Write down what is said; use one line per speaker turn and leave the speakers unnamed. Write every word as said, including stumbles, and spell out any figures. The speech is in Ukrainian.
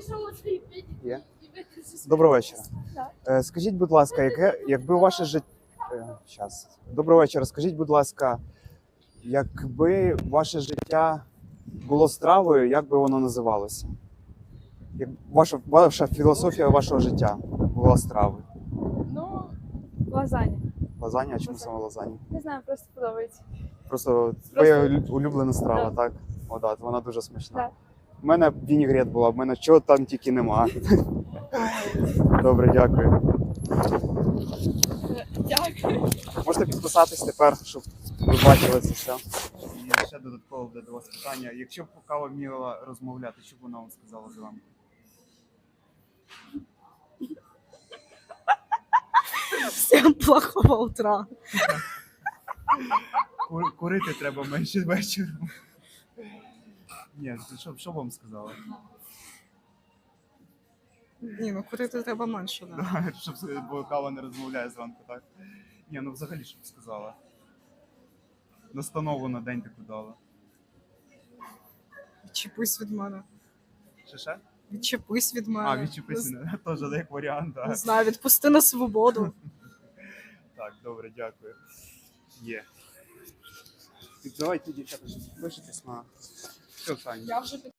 Є? Доброго вечора. Е, Скажіть, будь ласка, яке, якби ваше життя. Щас. Доброго вечора. Скажіть, будь ласка, якби ваше життя було стравою, як би воно називалося? Як ваша, ваша філософія вашого життя була стравою?
Ну, лазаня.
Лазанья? А чому
Лазанья.
саме лазанья?
Не знаю, просто подобається.
Просто твоя улю- улюблена страва,
Да.
так? О, да, вона дуже смачна.
Да.
У мене вінігрет була, в мене чого там тільки нема. Добре, дякую.
Дякую.
Можете підписатись тепер, щоб ви бачили це все. І ще додатково буде до вас питання. Якщо б кава вміла розмовляти, що б вона вам сказала з вами?
Всем плохого утра.
Ку- Курити треба менше вечором. Ні, що, що б вам сказала?
Ні, ну курити треба менше, да.
Щоб, бо кава не розмовляє зранку, так? Ні, ну взагалі, що б сказала? Настанову на день таку дала.
Відчепись від мене.
Ще ще?
Відчепись від мене.
А, відчепися, теж як варіант,
Не
так.
знаю, відпусти на свободу.
Так, добре, дякую. Є. Давайте, дівчата, щось пишетесь на... Все, Саня.
Я вже